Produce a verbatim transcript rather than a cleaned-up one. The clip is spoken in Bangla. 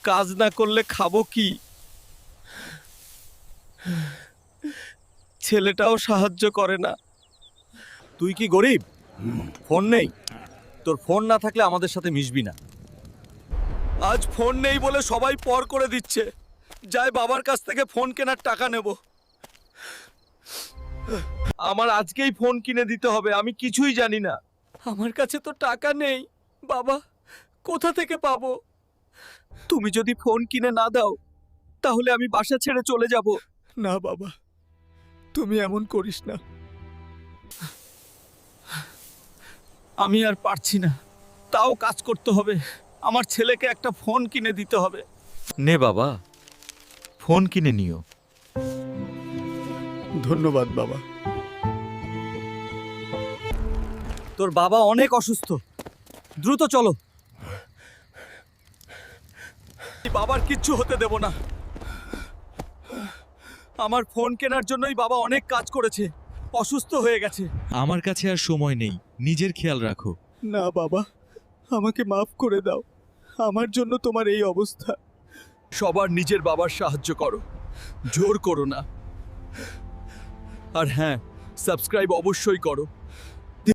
কাজ না করলে খাবো কি? ছেলেটাও সাহায্য করে না। তুই কি গরিব? ফোন নেই? তোর ফোন না থাকলে আমাদের সাথে মিশবি না। আজ ফোন নেই বলে সবাই পর করে দিচ্ছে। যাই বাবার কাছ থেকে ফোন কেনার টাকা নেব। আমার আজকেই ফোন কিনে দিতে হবে, আমি কিছুই জানি না। আমার কাছে তো টাকা নেই বাবা, কোথা থেকে পাবো? তুমি যদি ফোন কিনে না দাও তাহলে আমি বাসা ছেড়ে চলে যাব। না বাবা, তুমি এমন করিস না। আমি আর পারছি না, তাও কাজ করতে হবে। আমার ছেলেকে একটা ফোন কিনে দিতে হবে। নে বাবা, ফোন কিনে নিও। ধন্যবাদ বাবা। তোর বাবা অনেক অসুস্থ, দ্রুত চলো। বাবার কিচ্ছু হতে দেব না। আমার ফোন কেনার জন্যই বাবা অনেক কাজ করেছে, অসুস্থ হয়ে গেছে। আমার কাছে আর সময় নেই, নিজের খেয়াল রাখো। না বাবা, আমাকে মাফ করে দাও। আমার জন্য তোমার এই অবস্থা। সবার নিজের বাবার সাহায্য করো, জোর করো না। আর হ্যাঁ, সাবস্ক্রাইব অবশ্যই করো।